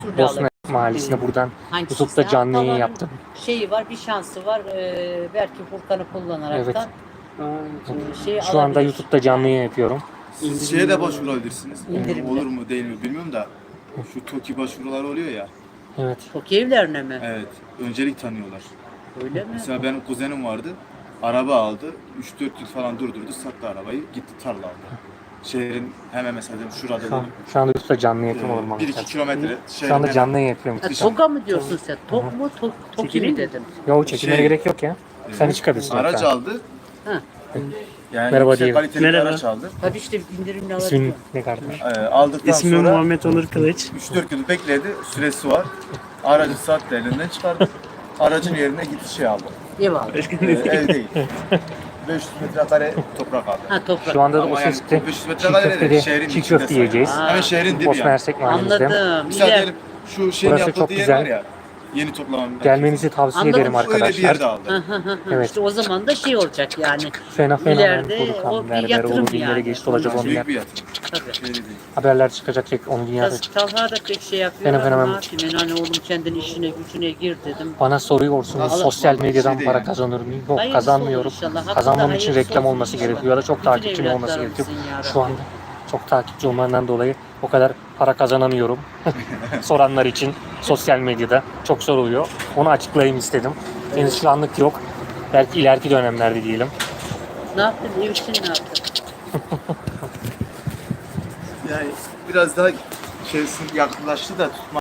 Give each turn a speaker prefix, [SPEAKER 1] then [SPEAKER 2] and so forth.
[SPEAKER 1] Bosna Mahallesi'nde buradan
[SPEAKER 2] Hangisi
[SPEAKER 1] YouTube'da
[SPEAKER 2] ise
[SPEAKER 1] canlı yayın
[SPEAKER 2] havanın
[SPEAKER 1] yaptım.
[SPEAKER 2] Şeyi var, bir şansı var. Belki Furkan'ı kullanaraktan şeyi
[SPEAKER 1] Şu anda
[SPEAKER 2] alabilir.
[SPEAKER 1] YouTube'da canlı yayın yapıyorum.
[SPEAKER 3] Siz şeye de başvurabilirsiniz.
[SPEAKER 2] İndirimli.
[SPEAKER 3] Olur mu değil mi bilmiyorum da. Şu TOKİ başvuruları oluyor ya.
[SPEAKER 1] Evet.
[SPEAKER 2] Çok evlerine mi?
[SPEAKER 3] Evet. Öncelik tanıyorlar.
[SPEAKER 2] Öyle mi?
[SPEAKER 3] Mesela benim kuzenim vardı. Araba aldı. 3-4 yıl falan durdurdu. Sattı arabayı. Gitti tarla aldı. Şehrin hemen mesela şurada.
[SPEAKER 1] Şu anda YouTube'da canlı yayın yapıyorum.
[SPEAKER 3] 1-2 kilometre.
[SPEAKER 1] Şu anda canlı yayın yapıyorum.
[SPEAKER 2] Ha, TOG'a mı diyorsun sen? TOG mu? TOKİ mi dedim?
[SPEAKER 1] Yok çekilmeye
[SPEAKER 3] Şey-
[SPEAKER 1] gerek yok ya. Sen hiç çıkabilirsin.
[SPEAKER 3] Araç
[SPEAKER 1] hatta.
[SPEAKER 3] aldı.
[SPEAKER 2] Ha.
[SPEAKER 3] Yani
[SPEAKER 1] Merhaba
[SPEAKER 3] yüksek
[SPEAKER 1] diyeyim.
[SPEAKER 3] kaliteli bir
[SPEAKER 4] Merhaba.
[SPEAKER 3] araç aldı.
[SPEAKER 2] Tabii işte indirimli
[SPEAKER 1] İsmin
[SPEAKER 2] alabiliyor.
[SPEAKER 1] ne kardeş?
[SPEAKER 3] Aldıktan
[SPEAKER 4] İsmim
[SPEAKER 3] sonra
[SPEAKER 4] Muhammed Onur Kılıç.
[SPEAKER 3] 3-4 yıl bekledi. Süresi var. Aracı sattı, elinden çıkardı. Aracın yerine gitti şey aldı.
[SPEAKER 2] Ev aldı.
[SPEAKER 3] Ev değil. 500 metrekare toprak aldı.
[SPEAKER 2] Ha toprak.
[SPEAKER 1] Şu anda da o
[SPEAKER 3] Ama yani
[SPEAKER 1] sesle
[SPEAKER 3] 500
[SPEAKER 1] çiğ
[SPEAKER 3] metrekare değil,
[SPEAKER 1] köftede
[SPEAKER 3] şehrin
[SPEAKER 1] çiğ
[SPEAKER 3] içinde
[SPEAKER 1] köfte yiyeceğiz.
[SPEAKER 2] sayılır.
[SPEAKER 3] Hemen şehrin dibi
[SPEAKER 1] Bosna
[SPEAKER 3] yani.
[SPEAKER 1] Hersek Mahallesi'nde.
[SPEAKER 2] Anladım.
[SPEAKER 3] Mesela
[SPEAKER 2] İler.
[SPEAKER 3] diyelim şu şeyin
[SPEAKER 1] Burası
[SPEAKER 3] yapıldığı
[SPEAKER 1] çok
[SPEAKER 3] yer
[SPEAKER 1] güzel.
[SPEAKER 3] var ya. Yeni toplanan.
[SPEAKER 1] Gelmenizi tavsiye
[SPEAKER 2] Anladım.
[SPEAKER 1] ederim
[SPEAKER 3] Öyle bir
[SPEAKER 1] arkadaşlar.
[SPEAKER 3] yerde aldı.
[SPEAKER 1] Evet.
[SPEAKER 2] İşte o zaman da şey olacak yani.
[SPEAKER 1] Fena
[SPEAKER 2] İleride
[SPEAKER 1] fena
[SPEAKER 2] o bir
[SPEAKER 1] berber
[SPEAKER 2] yatırım
[SPEAKER 1] olur, binlere
[SPEAKER 2] yani.
[SPEAKER 1] geçti olacak
[SPEAKER 3] Büyük
[SPEAKER 1] onlar.
[SPEAKER 3] bir yatırım.
[SPEAKER 2] Tabii.
[SPEAKER 3] Şey değil.
[SPEAKER 1] Haberler çıkacak tek onun dünyada.
[SPEAKER 2] Talha da pek şey yapıyor.
[SPEAKER 1] Fenomen
[SPEAKER 2] ama
[SPEAKER 1] hemen-
[SPEAKER 2] ne yapayım? Yani oğlum kendin işine gücüne gir dedim.
[SPEAKER 1] Bana soruyorsunuz
[SPEAKER 3] Allah
[SPEAKER 1] sosyal
[SPEAKER 3] Allah,
[SPEAKER 1] medyadan
[SPEAKER 3] bir şey
[SPEAKER 1] para
[SPEAKER 3] değil.
[SPEAKER 1] kazanır mıyım? Yok
[SPEAKER 2] Hayırlısı
[SPEAKER 1] kazanmıyorum.
[SPEAKER 2] olur inşallah. Hakkında
[SPEAKER 1] Kazanmam için
[SPEAKER 2] hayırlısı
[SPEAKER 1] reklam
[SPEAKER 2] olsun
[SPEAKER 1] olması
[SPEAKER 2] inşallah.
[SPEAKER 1] gerekiyor ya da çok
[SPEAKER 2] Bütün
[SPEAKER 1] takipçim olması gerekiyor.
[SPEAKER 2] evlatlarımızın ya
[SPEAKER 1] Şu
[SPEAKER 2] Rabbi.
[SPEAKER 1] anda çok takipçi olmandan dolayı o kadar para kazanamıyorum. Soranlar için sosyal medyada çok soruluyor. Onu açıklayayım istedim. Henüz şu anlık yok. Belki ileriki dönemlerde diyelim.
[SPEAKER 2] Ne yaptın? Ev için ne yaptın?
[SPEAKER 3] Yani biraz daha şeysin yaklaştı da tutma.